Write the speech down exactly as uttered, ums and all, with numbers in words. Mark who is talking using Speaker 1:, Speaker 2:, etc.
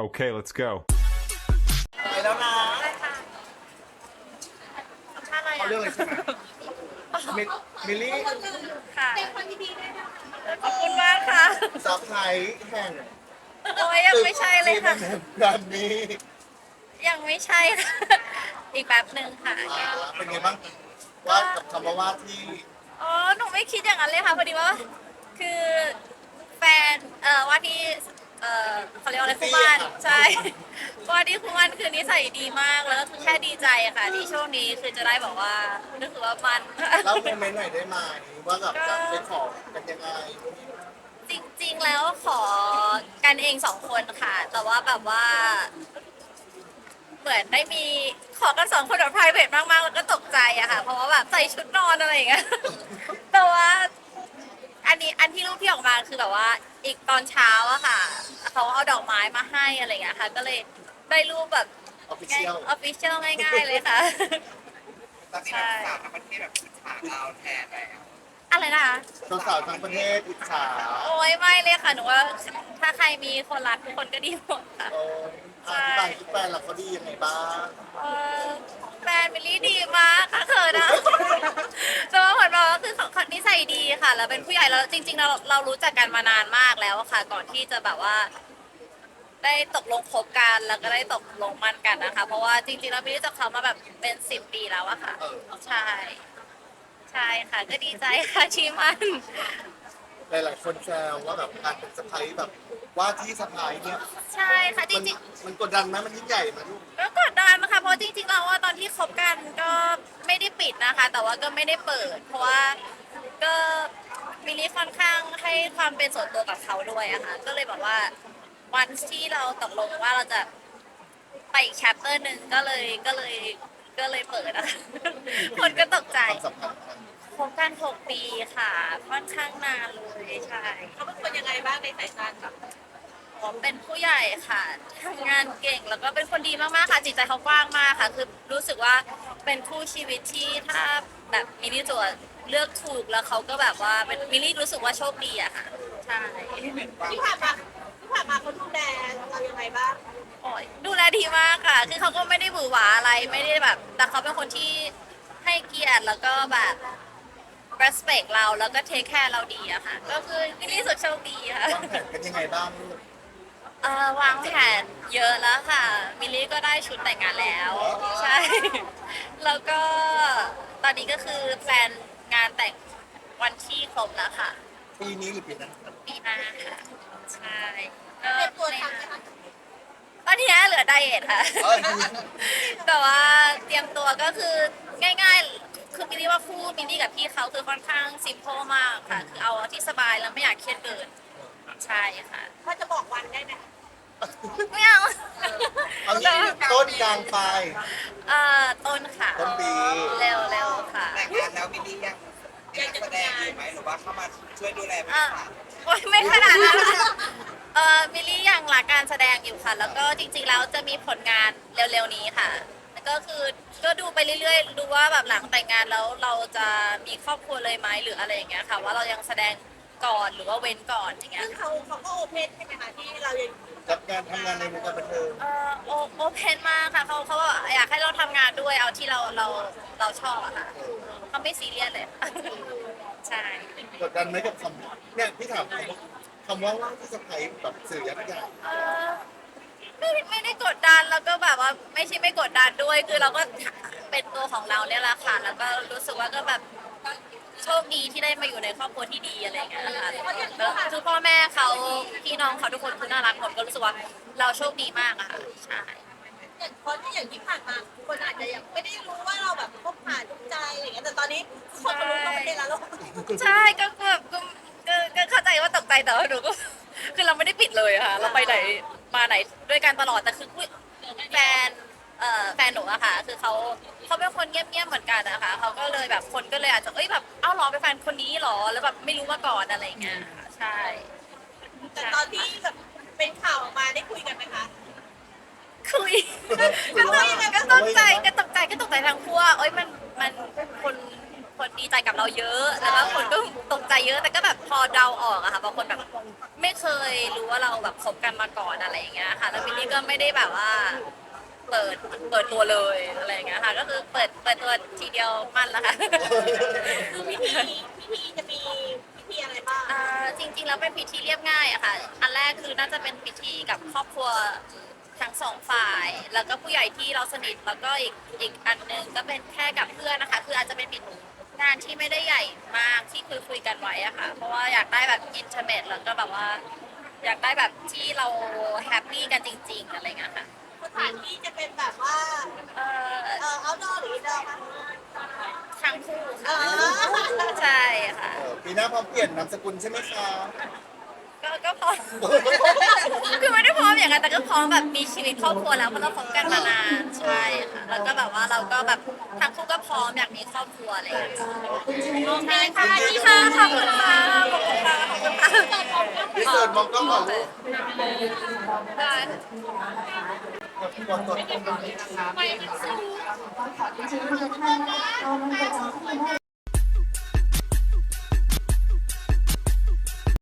Speaker 1: Okay, let's go.
Speaker 2: ไปแล้วนะ
Speaker 3: อะไรค่ะสัมภาษณ์อะไร
Speaker 2: เอา
Speaker 3: อ่ะ
Speaker 2: เรื่องเลยใช่ไหมมิมิลลี่
Speaker 3: ค่ะขอบคุณมากค่ะ
Speaker 2: ซับไพรส์แห่ง
Speaker 3: โอ้ยยังไม่ใช่เลยค่ะ
Speaker 2: แบบนี้
Speaker 3: ยังไม่ใช่ค่ะ อีกแป๊บหนึ่งค่ะ
Speaker 2: อ่าเป็นไงบ้างว่ากับคำว่าว่าที่
Speaker 3: อ๋อ หนูไม่คิดอย่างนั้นเลยค่ะพอดีว่า คือแฟน เอ่อว่าที่ เอ่อเขาเรียกว่าอะไรคู่บ้านใช่ ว่าที่คู่บ้านคือนิสัยดีมาก แล้วก็คือแค่ดีใจอะค่ะ ที่ช่วงนี้คือจะได้บอกว่านึกถือว่ามัน
Speaker 2: เล่าโมเมนต์หน่อยได้ไหมว่าแบบจะไปขอกันยังไง
Speaker 3: จริงๆ แล้วขอกันเองสองคนค่ะ แต่ว่าแบบว่า เหมือนได้มีขอกันสองคนแบบ private มากๆ แล้วก็ตกใจอะค่ะ เพราะว่าแบบใส่ชุดนอนอะไรอย่างเงี้ย แต่ว่า อันนี้อันที่รูปที่ออกมาคือแบบว่าอีกตอนเช้าอะค่ะ เขาเอาดอกไม้มาให้อะไรอย่างเงี้ยค่ะ ก็เลยได้รูปแบบ
Speaker 2: ออฟฟิเชียล
Speaker 3: ออฟฟิเชียลง่ายๆเลยค่ะ
Speaker 4: ตอนนี้แบบสาวทั้งประเทศแบบอิจฉาเราแทนแล้ว
Speaker 3: อะไรนะคะ
Speaker 2: สาวๆทั้งประเทศอิจฉา
Speaker 3: โอ้ยไม่เลยค่ะ หนูว่าถ้าใครมีคนรักทุกคนก็ดีหมดค่ะ
Speaker 2: โอ้ยอธิบายที่แฟนเราเขาดียังไงบ้าง
Speaker 3: เอ่อแฟนมิลลี่ดีมากค่ะเขินนะ แต่ว่าเหมือนแบบว่าคือเขาเขานิสัยดีค่ะ แล้วเป็นผู้ใหญ่แล้วจริงๆเราเรารู้จักกันมานานมากแล้วอะค่ะ ก่อนที่จะแบบว่า ได้ตกลงคบกันแล้วก็ได้ตกลงมั่นกันนะคะ เพราะว่าจริงๆแล้วมิลลี่จักเขามาแบบเป็นสิบปีแล้วอะค่ะ
Speaker 2: เออ
Speaker 3: ใช่ ใช่ค่ะ ก็ดีใจค่ะที่มัน
Speaker 2: หลายๆคนแซวว่าแบบการเป็นสะพ้ายแบบว่าที่สะพ้ายเนี่ย
Speaker 3: ใช่ค่ะจ
Speaker 2: มัน
Speaker 3: ริงๆ
Speaker 2: มันกดดันไหมมันยิ่งใหญ่ไหมลูก
Speaker 3: ก็กดดันนะคะเพราะจริงๆเราว่าตอนที่คบกันก็ไม่ได้ปิดนะคะ แต่ว่าก็ไม่ได้เปิด เพราะว่าก็มิลลี่ค่อนข้างให้ความเป็นส่วนตัวกับเขาด้วยอะค่ะก็เลยบอกว่าวันที่เราตกลงว่าเราจะไปอีกแชปเตอร์หนึ่งก็เลยก็เลยก็เลยเปิดอะ คนก็ตกใจ
Speaker 2: ความสัมพันธ์กัน
Speaker 3: คบกันหกปีค่ะ ค่อนข้างนานเลยใช่
Speaker 5: เขาเป็นคนยังไงบ้างในสายตาแบบ
Speaker 3: ผมเป็นผู้ใหญ่ค่ะทำงานเก่งแล้วก็เป็นคนดีมากๆค่ะ จิตใจเขากว้างมากค่ะ คือรู้สึกว่าเป็นคู่ชีวิตที่ถ้าแบบมิลลี่ตัวเลือกถูกแล้วเขาก็แบบว่าเป็นมิลลี่รู้สึกว่าโชคดีอะค่ะ ใช่
Speaker 5: ที่ผ่านมาที่ผ่านมาเขาดูแลเรายังไงบ้าง
Speaker 3: โอ้ยดูแลดีมากค่ะ คือเขาก็ไม่ได้หวือหวาอะไรไม่ได้แบบ แต่เขาเป็นคนที่ให้เกียรติแล้วก็แบบ respect เราแล้วก็ take care เราดีอะค่ะ ก็คือมิลลี่รู้สึกโชคดีค่ะ
Speaker 2: วางแผนกันยังไงบ้างลูก
Speaker 3: เอ่อวางแผนเยอะแล้วค่ะ มิลลี่ก็ได้ชุดแต่งงานแล้ว ใช่ แล้วก็ตอนนี้ก็คือแฟนงานแต่งวันที่ครบแล้วค่ะ
Speaker 2: ปีนี้หรือปีหน้า
Speaker 3: ปีหน้าค่ะ ใช่ก็
Speaker 5: เตรียมตัวทำไหมคะ
Speaker 3: ตอนนี้เหลือไดเอทค่ะ
Speaker 2: เอ้ย
Speaker 3: แต่ว่าเตรียมตัวก็คือง่ายๆ คือมิลลี่ว่าคู่มิลลี่กับพี่เขาคือค่อนข้างซิมโพมากค่ะ คือเอาที่สบายแล้วไม่อยากเครียดเกิน ใช่ค่ะ
Speaker 5: ถ้าจะบอกวันได้ไหม
Speaker 3: ไม่เอา
Speaker 2: เอางี้ต้นกลางปลาย
Speaker 3: เอ่อต้นค่ะ
Speaker 2: ต้นปี
Speaker 3: เร็วเร็วๆค่ะ
Speaker 4: แต่งงานแล้วมิลลี่ยังยังแสดงอยู่ไหมหรือว่าเข้ามาช่วยดูแลบริ
Speaker 3: อ่ะ
Speaker 4: ษัท
Speaker 3: โอ๊ยไม่ขนาดนั้นค่ะเอ่อมิลลี่ยังรักการแสดงอยู่ค่ะ แล้วก็จริงๆแล้วจะมีผลงานเร็วๆนี้ค่ะแล้วก็คือก็ดูไปเรื่อยๆ ดูว่าแบบหลังแต่งงานแล้วเราจะมีครอบครัวเลยไหมหรืออะไรอย่างเงี้ยค่ะ ว่าเรายังแสดงก่อนหรือว่าเว้นก่อนอย่างเงี้ย
Speaker 5: ซึ่งเขาเขาก็โอเพนใช่ไหมคะที่เรายัง
Speaker 2: กับการทำงานในวงการบันเทิง
Speaker 3: เอ่อโอโอเพนมากค่ะเขาเขาบอกอยากให้เราทำงานด้วยเอาที่เราเราเราชอบอะค่ะเขาไม่ซีเรียสเลย ใช่
Speaker 2: กดดันไหมกับคำเนี่ยพี่ถามคำว่าคำว่าว่าที่สะพ้ายแบบสื่อยักษ์ใหญ่
Speaker 3: เอ่อไม่ไม่ได้กดดันแล้วก็แบบว่าไม่ใช่ไม่กดดันด้วย คือเราก็เป็นตัวของเราเนี่ยแหละค่ะ แล้วก็รู้สึกว่าก็แบบโชคดีที่ได้มาอยู่ในครอบครัวที่ดีอะไรอย่างเงี้ยค่ะแล้วคือพ่อแม่เขาพี่น้องเขาทุกคนคือน่ารักหมดก็รู้สึกว่าเราโชคดีมากอะค่ะใช่
Speaker 5: อย่างเพราะที่อย่างที่ผ่านมาคนอาจจะยังไม่ได้รู้ว่าเราแบบคบหาดูใจอะไรอย่างเงี้ยแต่ตอนนี้คนก็รู้ทั้งประเทศแล้ว
Speaker 3: ใช่ก็แบบก็ก็ก็เข้าใจว่าตกใจแต่ว่าหนูก็ คือเราไม่ได้ปิดเลยอะค่ะ เราไปไหนมาไหนด้วยกันตลอดแต่คืออุ๊ยแฟนเอ่อแฟนหนูอะค่ะ คือเขาเขาเป็นคนเงียบๆเหมือนกันนะคะเขาก็เลยแบบคนก็เลยอาจจะเอ้ยแบบเอ้าเหรอเป็นแฟนคนนี้เหรอแล้วแบบไม่รู้มาก่อนอะไรอย่างเงี้ยค่ะใช่
Speaker 5: แต่ตอนที่แบบเป็นข่าวออกมาได้คุยกันไหมคะ
Speaker 3: คุยก็ตกก็ตกใจก็ตกใจก็ตกใจทั้งคู่ว่าเอ้ยมันมันคนคนดีใจกับเราเยอะแล้วก็คนก็ตกใจเยอะแต่ก็แบบพอเดาออกอะค่ะบางคนแบบไม่เคยรู้ว่าเราแบบคบกันมาก่อนอะไรอย่างเงี้ยค่ะแล้ววินนี่ก็ไม่ได้แบบว่าเปิดเปิดตัวเลยอะไรอย่างเงี้ยค่ะก็คือเปิดเปิดตัวทีเดียวมั่นแล้วค่ะ
Speaker 5: คือพิธีพิธีจะมีพิธีอะไรบ้าง
Speaker 3: อ่าจริงๆแล้วเป็นพิธีเรียบง่ายอะค่ะอันแรกคือน่าจะเป็นพิธีกับครอบครัวทั้งสองฝ่าย แล้วก็ผู้ใหญ่ที่เราสนิทแล้วก็อีกอีกอันหนึงก็เป็นแค่กับเพื่อนนะคะ คืออาจจะเป็นงานที่ไม่ได้ใหญ่มากที่คุยคุยกันไว้อะค่ะ เพราะว่าอยากได้แบบอินเทอร์เน็ตแล้วก็แบบว่า อยากได้แบบที่เราแฮปปี้กันจริง ๆอะไรเงี้ยค่ะ
Speaker 5: สถานที่จะเป็นแบบว่า
Speaker 3: เอ่อ
Speaker 5: เอ่อ outdoor หรือ indoor คะ
Speaker 3: ทั้งคู่
Speaker 5: เอ
Speaker 3: ค่ะ
Speaker 5: อ
Speaker 3: ใช่ค่ะ
Speaker 2: เออปีหน้าพร้อมเปลี่ยนนามสกุลใช่ไหมคะ
Speaker 3: ก็ก็พร้อม คือไม่ได้พร้อมอย่างนั้นแต่ก็พร้อมแบบมีชีวิตครอบครัวแล้วเพราะเราคบกันมานานใช่ค่ะแล้วก็แบบว่าเราก็แบบทั้งคู่ก็พร้อมอยากมีครอบครัวอะไรอย่างเงี้ยโอเคค่ะดีค่ะขอบคุณค่ะขอบคุณค่ะขอบคุณค่ะ
Speaker 2: พี่เสิร์ตมองกล้องก่อนลูก
Speaker 3: ได้
Speaker 2: กดกดกด
Speaker 3: ไปมันสูง